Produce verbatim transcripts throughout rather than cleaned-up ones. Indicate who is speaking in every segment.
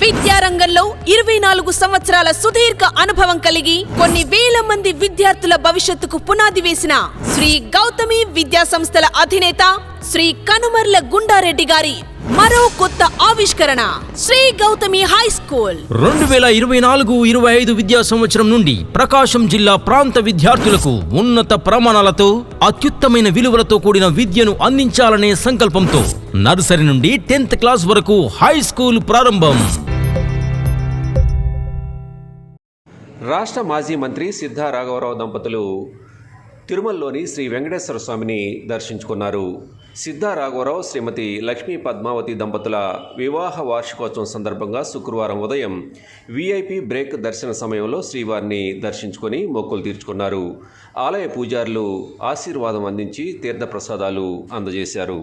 Speaker 1: విద్యారంగంలో ఇరవై నాలుగు సంవత్సరాల సుదీర్ఘ అనుభవం కలిగి కొన్ని వేల మంది విద్యార్థుల భవిష్యత్తుకు పునాది వేసిన శ్రీ గౌతమి విద్యా సంస్థల అధినేత శ్రీ కనుమర్ల గుండారెడ్డి గారి మరో కొత్త ఆవిష్కరణ శ్రీ గౌతమి హై స్కూల్.
Speaker 2: రెండు వేల ఇరవై నాలుగు ఇరవై ఐదు విద్యా సంవత్సరం నుండి ప్రకాశం జిల్లా ప్రాంత విద్యార్థులకు ఉన్నత ప్రమాణాలతో అత్యుత్తమైన విలువలతో కూడిన విద్యను అందించాలనే సంకల్పంతో నర్సరీ నుండి టెన్త్ క్లాస్ వరకు హై స్కూల్ ప్రారంభం.
Speaker 3: రాష్ట్ర మాజీ మంత్రి సిద్ధా రాఘవరావు దంపతులు తిరుమలలోని శ్రీ వెంకటేశ్వర స్వామిని దర్శించుకున్నారు. సిద్ధా రాఘవరావు శ్రీమతి లక్ష్మీ పద్మావతి దంపతుల వివాహ వార్షికోత్సవం సందర్భంగా శుక్రవారం ఉదయం వీఐపీ బ్రేక్ దర్శన సమయంలో శ్రీవారిని దర్శించుకొని మొక్కులు తీర్చుకున్నారు. ఆలయ పూజారులు ఆశీర్వాదం అందించి తీర్థప్రసాదాలు అందజేశారు.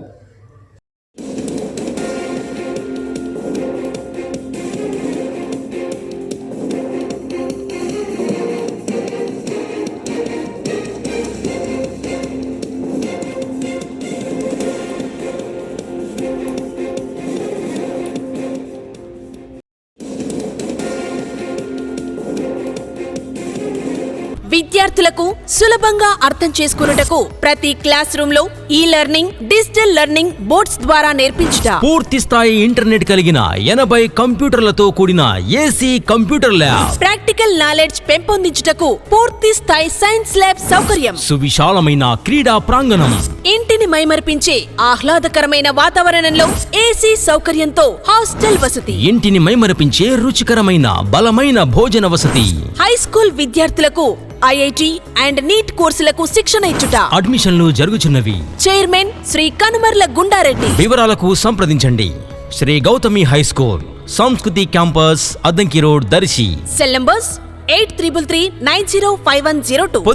Speaker 1: విద్యార్థులకు సులభంగా అర్థం చేసుకున్నటకు ప్రతి క్లాస్ రూమ్ లో ఈ లెర్నింగ్, డిజిటల్ లెర్నింగ్ బోర్డ్స్ ద్వారా నేర్పించుట,
Speaker 2: పూర్తి స్థాయి ఇంటర్నెట్ కలిగిన ఎనభై కంప్యూటర్లతో కూడిన AC computer lab,
Speaker 1: practical knowledge పెంపొందించుటకు పూర్తి స్థాయి సైన్స్ ల్యాబ్ సౌకర్యం,
Speaker 2: సువిశాలమైన క్రీడా ప్రాంగణం,
Speaker 1: ఇంటిని మైమర్పించే ఆహ్లాదకరమైన వాతావరణంలో ఏసీ సౌకర్యంతో హాస్టల్ వసతి,
Speaker 2: ఇంటిని మైమరపించే రుచికరమైన బలమైన భోజన వసతి,
Speaker 1: హై స్కూల్ విద్యార్థులకు ఐఐటి అండ్ నీట్ కోర్సులకు శిక్షణ ఇచ్చుట,
Speaker 2: అడ్మిషన్లు జరుగుచున్నవి.
Speaker 1: చైర్మన్ శ్రీ కనుమర్ల గుండారెడ్డి.
Speaker 2: వివరాలకు సంప్రదించండి. Shri Gautami high school, Sanskriti campus, Addanki road, Darsi.
Speaker 1: Cell numbers eight triple three nine zero five one zero two.